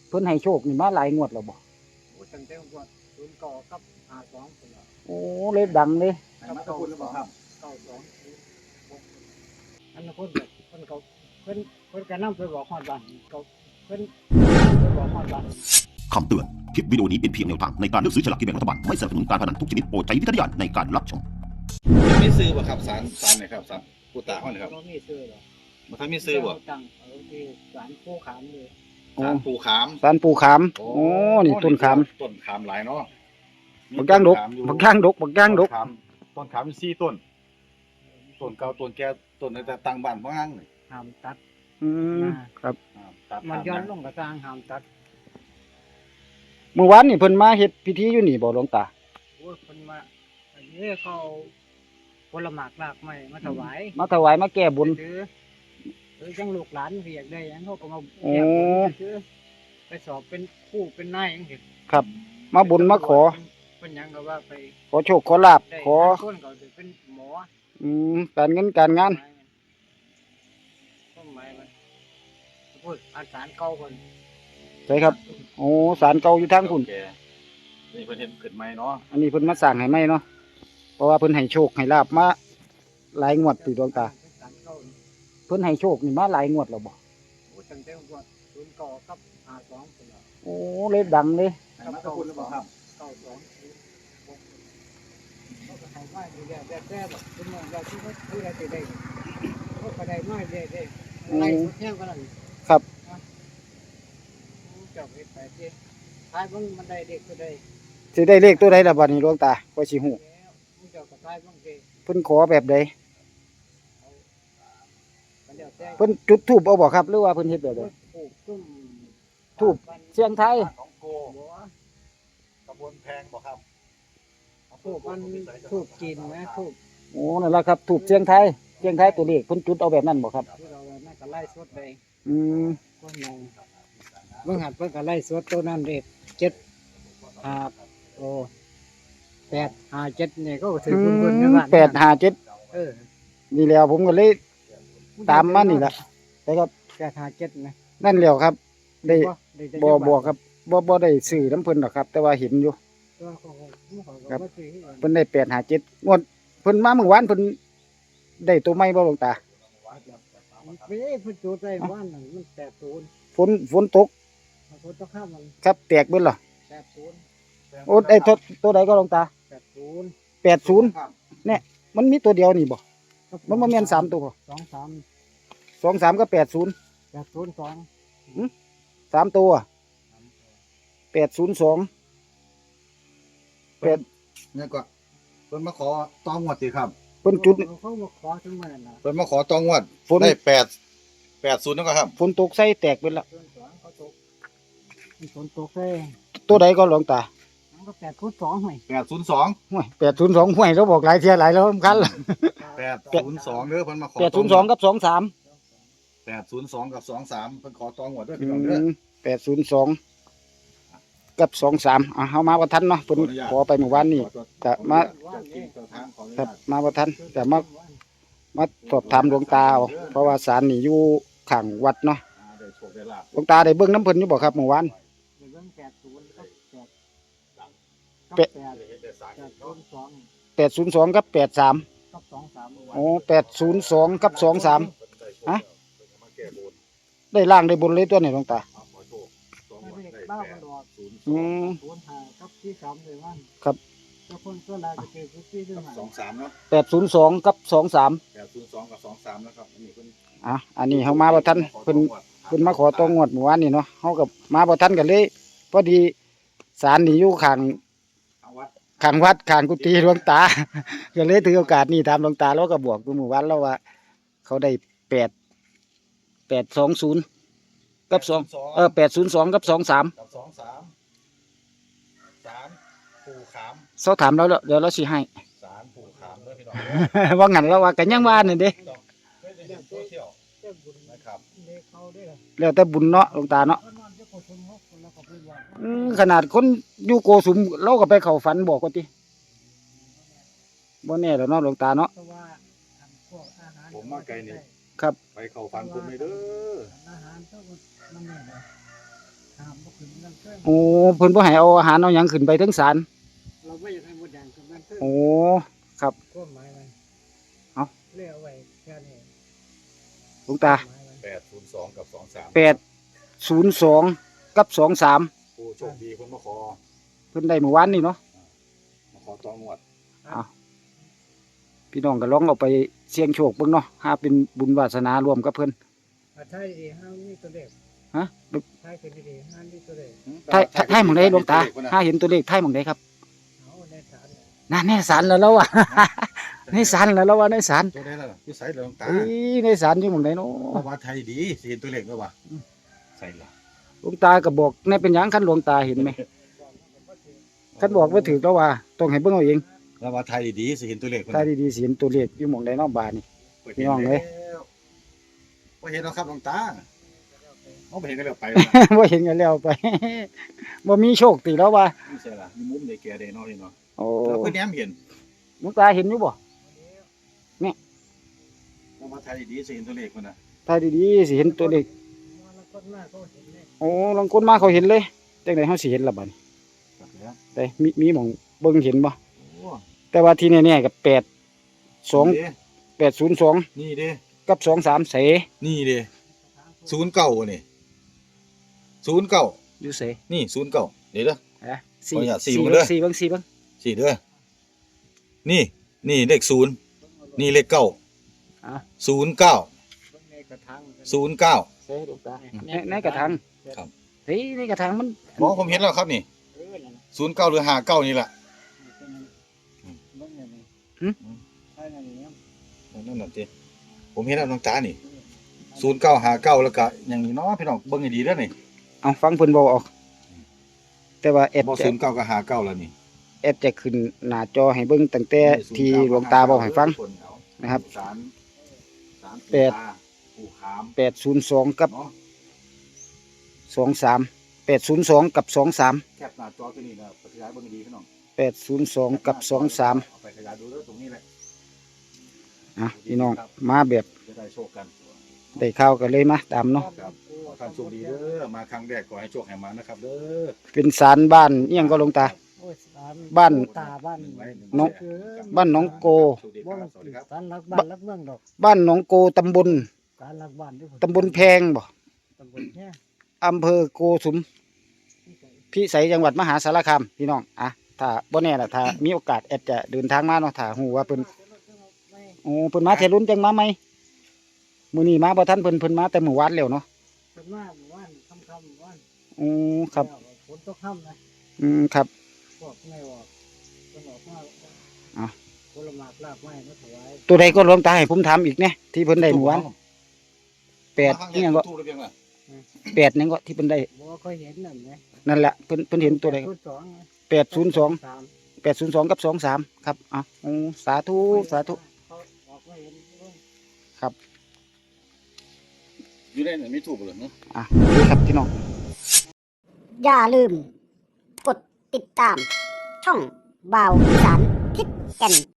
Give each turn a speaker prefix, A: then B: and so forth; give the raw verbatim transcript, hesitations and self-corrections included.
A: เพิ่นให้โชคนี่มาหลายงวดแล้วบ่
B: โอ้ตั้งแต่งวดศูนย์เก้ากับห้าสองพุ่นล่ะ
A: โอ้เลยดังเลย
B: ให้มาตะคุณหรือเปล่าครับเก้าสองอันนั้นเพิ่นแบบเพิ่นเขาเพิ่นเพิ่นก็นำไปบอกฮอดบ้านเขาเพิ่นนำไปบอกฮอดบ้าน
C: คำเตือน คลิปวิดีโอนี้เป็นเพียงแนวทางในการเลือกซื้อฉลากกินแบ่งรัฐบาล ไม่สนับสนุนการพนันทุกชนิดโปรดใช้วิจารณญาณในการรับชม
D: มีซื้อบ่ครับสารสารเนี่ยครับสารปูตาห้องนี่ครับ
B: บ่มีซื้อหรอก
D: มันถ้ามีซื้อบ่
B: ตั้งเอาที่ศาลผู้ขามเลย
A: โอ้
D: สารปูขาม
A: สารปูขามโอ้นี่ต้นขาม
D: ต้นขามหลายเนาะ
A: บักย่างดกบักย่างดกบักย่างดก
D: ต้นขามต้นขามมีสี่ต้นต้นเก่าต้นแก่ต้นในแต่ต่างบ้านพ่องังนี่
B: ห้ามตัด
A: อืมครับ
D: อ่าตัด
B: มันย้อนล
D: ลง
B: งกระสร้างห้ามตัด
A: เมื่อวานนี่เพิ่นมาเฮ็ดพิธีอยู่นี่บ่หลวงตา
B: โอ้ยคนมาอันนี้เขาเอาผลหมากรากไม้มาถวาย
A: มาถวายมาแก้บุญ
B: หรือหรือจังลูกหลานเรียกได้หยังเขาก็มา
A: โอ้
B: แก้บนซื้อไปสอบเป็นครู่เป็นนายจังซี่
A: ครับ มาบุญมาขอ
B: เป็นหยังก็ว่าไป
A: ขอโชคขอลาภ
B: ได้
A: ขอ
B: บางคนก็สิเป็นหมอ
A: อืมการเงินการงาน
B: ต้นไม้มันพูดอาสารเก่าคน
A: ใช่ครับโอ้ศาลเก่าอยู่ทางพุ่น
D: แก่นี่เพิ่นเฮ็ดขึ้นใหม่เนาะ
A: อันนี้เพิ่นมาสร้างให้ใหม่เนาะเพราะว่าเพิ่นให้โชคให้ลาภมาหลายงวดติดวงตา
B: ศาลเก่านี่
A: เพิ่นให้โชคนี่มาหลายงวดแล้วบ่
B: โอ้ตั้งแต่งวดศูนย์เก้ากับห้าสองพุ่นล่ะ
A: โอ้เลยดังเลย
D: ให้มาตะคุณหรือเปล่าครับ
B: เก้าสองศูนย์หกเขาก็ให้มาอยู่แล้วแต่แต่แบบเป็นเมืองเราที่เขาที่เราจะได้เขาก็ได้น้อยได้ได้ไล่สุดแห้งกว่านั้น
A: ครับ
B: เจ้าเฮ็ดไปที่ท้ายมันมันได้เด็กก็ได้
A: สิได้เลขตัวใดล่ะบัดนี้หลวงตาก็สิฮู้
B: แล้วมันเจ้าก็ท้ายบางที
A: เพิ่นขอแบบใด
B: มันเดี๋ยวแต่
A: เพิ่นจุดธูปเอาบ่ครับหรือว่าเพิ่นเฮ็ดแบบใด
B: ปลูกตุ้ม
A: ทูบ เสียงไทย
D: ของโก
B: บัว
D: ตำบลแพงบ่ครับ
B: ทูบมันทูบกินนะทูบ
A: โอ้นั่นล่ะครับธูปเสียงไทยเสียงไทยตัวเลขเพิ่นจุดเอาแบบนั้นบ่ครับ
B: ที่เราน่าก็ไล่สดไป
A: อืม
B: ต้นนึงเมื่อหัดเพิ่นก็ไล่สดตัวนั้นเด็ดเจ็ดห้าโอ้แปดห้าเจ็ดเนี่ยก็ถือบุญบุญในบ้าน
A: แปดห้าเจ็ด
B: เออ
A: นี่แล้วผมก็เลยตามมานี่ล่ะแต่ครับ
B: แปดห้าเจ็ดนะ
A: นั่นแล้วครับ ได้
B: ได้ได้
A: บ่บ่ครับบ่บ่ได้ซื้อน้ำเพิ่นหรอกครับ แต่ว่าเห็นอยู่
B: ตัวเขาเขาเขา
A: ครับ
B: ก็ซื้อให้กัน
A: เพิ่นได้แปดห้าเจ็ดงวดเพิ่นมาเมื่อวานเพิ่นได้ตัวใหม่บ่หลวงตา
B: ไม่ใช่เพิ่นจูดใจบ้านนั่นมันแปดศูนย์
A: ฝนฝนตก
B: เพิ่นต้องข้ามมัน
A: ครับแตกเบิดเหรอ
B: แปดศูนย์
A: โอ้ได้ตัวตัวใดก็หลวงตา
B: แปดศูนย์
A: แปดศูนย์มันมีตัวเดียวนี่บ่มันบ่แม่นสามตัวบ่
B: สองสาม
A: สองสามก็แปดศูนย์
B: แปดศูนย์สอง
A: สามตัวแปดศูนย์สอง
D: เนี่ยก็เพิ่นมาขอตองวดสิครับ
A: เพิ่นจุด
B: เขามาขอถึงมันน่ะ
D: เพิ่นมาขอตองวด
A: ฝน
D: ได้แปดแปดศูนย์นั่นก็ครับ
A: ฝนตกใส่แตกเบิดละ
B: ศูนย์สองเขาตกมันฝนตกเลย
A: ตัวใดก็หลวงตา
B: มันก็แปดศูนย์สองห่วย
D: แปดศูนย์สอง
A: ห้วยแปดศูนย์สองห้วยเราบอกหลายเที่ยหลายแล้วสำคัญละ
D: แปดศูนย์สองเด้อเพิ่นมาขอ
A: แปดศูนย์สองกับสองสาม
D: แปดศูนย์สองกับสองสามเพิ่นขอตองวดด้วยพี่น้องเด้อ
A: แปดศูนย์สองกับสองสามอ่ะเฮามาบ่ทันเนาะเพิ่นขอไปเมื่อวานนี้ก็มา
D: เจ้าที่เจ้าทางขออนุ
A: ครั
D: ญา
A: บ
D: ต
A: มาบ่ทันแต่มามาสอบถามหลวงตาเอาเพราะว่าศาลนี่อยู่ข้างวัดเนาะ
D: อ่าได้โชคได้ลาภ
A: หลวงตาได้เบิ่งน้ำเพิ่นอยู่บ่ครับเมื่อวาน
B: เดี๋ยวเบิ่งแปดศูนย์กับแปดกับ
A: แปด
B: แปด
D: เฮ็ดได้สร้าง
B: แปดศูนย์สอง
A: แปดศูนย์สองกับแปดสาม
B: กับสองสาม
A: โอ้แปดศูนย์สองกับสองสาม ฮะ
D: เพิ่นก็มาแก้บน
A: ได้ล่างได้บนเลยตัวนี้หลวงตา
D: เอาขอโชคตอง
B: ไม่
D: วด
B: ได้
D: ได้
B: บ้า
D: แป
B: มัน
D: ด
B: ดอก
D: ศูนย์
A: อืม
B: ศูนย์ห้ากับที่สามเลยวัน
A: ครับ
B: เจ้าคนตัวลายจะเจอพื้นที่ด้วย
D: กับ
B: ไหม
D: สองสามเนาะ
A: แปดศูนย์สองกับสองสาม
D: แปดศูนย์สองกับสองสามนะครับอันนี้เพิ่น
A: อ่ะอันนี้เฮามาบ่ทันเพิ่น เพิ่นมาขอตัวงวดเมื่อวานนี่เนาะเฮากับมาบ่ทันกันเลยพอดีศาลนี่อยู่ข้าง
D: เอาวัด
A: ข้างวัดข้างกุฏิหลวงตา ก็เลยถือโอกาสนี้ถามหลวงตาแล้วก็บอกอยู่เมื่อวานแล้วว่า เขาได้แปดแปดสองศูนย์กับสองเออแปดศูนย์สองกับสองสาม
D: กับสองสามสารปูขาม
A: เขาถามเราแล้วเดี๋ยวเราสิให้
D: สารปูขามด้วยพี่น้องเด้อ
A: ว่างั้นแล้วว่ากันยังว่านี่เด้
D: พี่น้องเคยได้เห็นโซเชียล
B: เจ้าบุญ
D: นะครับ
B: เด็กเขาด้วย
A: แล้วแต่บุญเนาะหลวงตาเนาะ
B: เขานอนเจ้าคนชมเขาคนละกับเพื่อนว่า
A: อืมขนาดคนอยู่โกสุมเราก็ไปเข้าฝันบอกว่าติบ่แน่แล้วเนาะหลวงตาเนาะ
B: เพราะว่าพวกอาหาร
D: ผมมาไกลนี่
A: ครับ
D: ไปเข้าฝันผมเลยเด้อ
B: อาหารต้องมันเนี่ยนะห้ามบ่ขึ้นนั่นเพิ่ม
A: โอ้เพิ่นบ่ให้เอาอาหารเอาหยังขึ้นไปถึงศาล
B: เราไม่อยากให้มดแดงขึ้นนั่นเพิ่ม
A: โอ้ครับ
B: ก้มหมายมัน
A: เอ้า
B: เลี้ยวไว้แค่นี้
A: หลวงตา
B: หมายมัน
D: แปดศูนย์สองกับสองสาม
A: แปดศูนย์สองกับสองสาม
D: ผู้โชคดีเพิ่นมาขอ
A: เพิ่นได้เมื่อวานนี่เนาะ
D: มาขอต่องวด
A: พี่น้องก็ลองเอาไปเสี่ยงโชคเบิ่งเนาะหาเป็นบุญวาสนารวมกับเพิ่น
B: อ่ะท้ายดีๆห้ามนี่ตัวเด็ก
A: ฮะ
B: ท้ายขึ้นดีๆห้ามนี่ตัวเด็ก
A: ไทยไทยหม่องใดหลวงตาถ้าเห็นตัวเลขไทยหม่องใดครับ
B: เอาในศาลเนี่ย
A: นั่นในศาลแล้วเราอ่ะ ในศาลแล้วเราว่าในศาล
D: ตัวได้แล้วล่ะอยู่ใส่เลยหลวงตา
A: เอ้ยในศาลอยู่หม่องใดเนาะ
D: เพราะว่าไทยดีสิเห็นตัวเลขแล้ววะใส่ละ
A: หลวงตาก็บอกในเป็นหยังคันหลวงตาเห็นไหมคันบอกว่าถือแล้วว่าต้องให้เบิ่งเอาเอง
D: แล้วว่าไทยดีสิเห็นตัวเลข
A: ถ้าดีๆสิเห็นตัวเลขอยู่หม่องใดเนาะบาดนี่ พี่น้องเอ้ย
D: บ่เห็นแล้วครับหลวงตาเอาไปเห็นกันแล้วไป
A: บ่เห็นกันแล้วไป บ่มีโชคติแล้วว่า
D: นี่ใช่ล่ะมีมุมในแก่ได้เนาะนี่เนาะ
A: โอ้
D: แล้วเพิ่นแหนมเห็น
A: หลวงตาเห็นอยู่บ่
D: แล้วว่าไทยดีสิเห็นตัวเลขมันน่ะ
A: ถ้าดีๆสิเห็นตัวเลข
B: มรกตมากเขาเห็นเลย
A: โอ้ลางคนมาเขาเห็นเลยจังได๋เฮาสิเห็นล่ะบัดนี้
D: ครับแล้ว
A: แต่มีมีหม่องเบิ่งเห็นบ่
D: โอ้
A: แต่ว่าที่แน่ๆก็แปด สอง
D: นี่เด้
A: แปดศูนย์สอง
D: นี่เด้
A: กับสองสามเส
D: นี่เด้ศูนย์เก้านี่ศูนย์เก้า
A: อยู่เส
D: นี่ศูนย์เก้าเดี๋ยวเด้อ
A: ฮะสี่
D: ขออนุญาตสี่
A: สี่
D: หมด
A: เบิ่
D: เลย
A: งสี่เบิ่งสี่เบิ่ง
D: สี่เด้อนี่นี่เลขศูนย์นี่เลขเก้า
A: อ่ะ
D: ศูนย์เก้า
B: ในกระถาง
D: ศูนย์เก้า
A: เสหลวงตาในในกระถาง
D: ครับ
A: เฮ้ยในกระถางมัน
D: หมอผมเห็นแล้วครับนี่
B: เออนั่นน่ะ
D: ศูนย์เก้าหรือห้าเก้านี่แหละ
B: เบิ่งอย่างนี้ใช่นั่นนี่
D: นั่นน่ะสิผมเห็นแล้วน้องตานี่ศูนย์เก้าห้าเก้าแล้วก็อย่างนี้เนาะพี่น้องเบิ่งให้ดีเด้อนี่
A: เอาฟังเพิ่นเว้าออก แต่ว่าแอด
D: บ่
A: จะ
D: ศูนย์เก้ากับห้าเก้าแล้วนี่
A: แอดจะขึ้นหน้าจอให้เบิ่งตั้งแต่ที่หลวงตาบอกให้ฟัง นะครับ
D: สารสาร
A: แปด
D: ปู่ขาม
A: แปดศูนย์สองกับ
D: เนาะ
A: สองสาม แปดศูนย์สองกับสองสาม
D: แคปหน้าจอตัวนี้นะขยายเบิ่งให้ดีพี่น้อง
A: แปดศูนย์สองกับสองสาม
D: เอาไปขยายดูเด้อตรงนี้แหละ
A: อ่ะพี่น้องมาแบบ
D: จะได้โชคกัน
A: ได้ข้าวกันเลยมาตามเนาะ
D: ครับขอท่านโชคดีเด้อมาครั้งแรกขอให้โชคให้มานะครับเด้อ
A: เป็นศาลบ้านเอียงก็หลวงตา
B: โอ้ยศล
A: บ้าน
B: ตาบ้าน
D: หงไว้หง
A: น้อง
D: ไว้ครับ
A: บ้านหนองโก
D: โชคดีค
B: บ่
D: รั
B: มั
D: บ
B: น
D: สวัสดีครับ
B: ศาลรักบ้านรักเมืองดอก
A: บ้านหนองโกตำบล
B: ศาลรักบ้านด้วย
A: ตำบลแพงบ่
B: ตำบลแค่
A: อำเภอโกสุมพิสัยจังหวัดมหาสารคามพี่น้องอ่ะถ้าบ่แน่ล่ะถ้ามีโอกาสแอดจะเดินทางมาเนาะถ้าฮู้ว่าเพิ่นโอ้เพิ่นมาเทรุ่นจังมาไหมมื้อนี้มาบ่ทันเพิ่นเพิ่นมาแต่มื้อวานแล้วเนาะ
B: เป็นว่าหมู่บ้านค่ำๆหมู่บ้าน
A: โอ้ครับ
B: แล้วฝนตกค่ำนะ
A: อืมครับ
B: พวกไม่ออกคนออกมา
A: อ่ะ
B: ผลไม้ลาบไม้มาถวาย
A: ตัวใดก็หลวงตาให้ผมถามอีกเนี่ยที่เพิ่นได้เมื่อวานแปด
D: มาครั้ง
A: นี่
D: แร
A: ยัง
D: ก
A: ก็
D: ถูกหรือเปล่า
A: แปดนั่นก็ที่เพิ่นได้
B: บ่เคยเห็นนั่นไหม
A: นั่นแหละเพิ่นเพิ่นเห็นตัวใด
B: ชุดสอง
A: แปดศูนย์สอง
B: สาม
A: แปดศูนย์สองกับสองสามครับอ่ะโอ้สาธุสาธุ
B: เขาออกมาเห็นเบิ่ง
D: อยู่ได้ไม่ถูกเลยเนาะ
A: อ่ะโอเคครับพี่น้อง
E: อย่าลืม กดติดตาม ช่องบ่าวอีสานทิศแก่น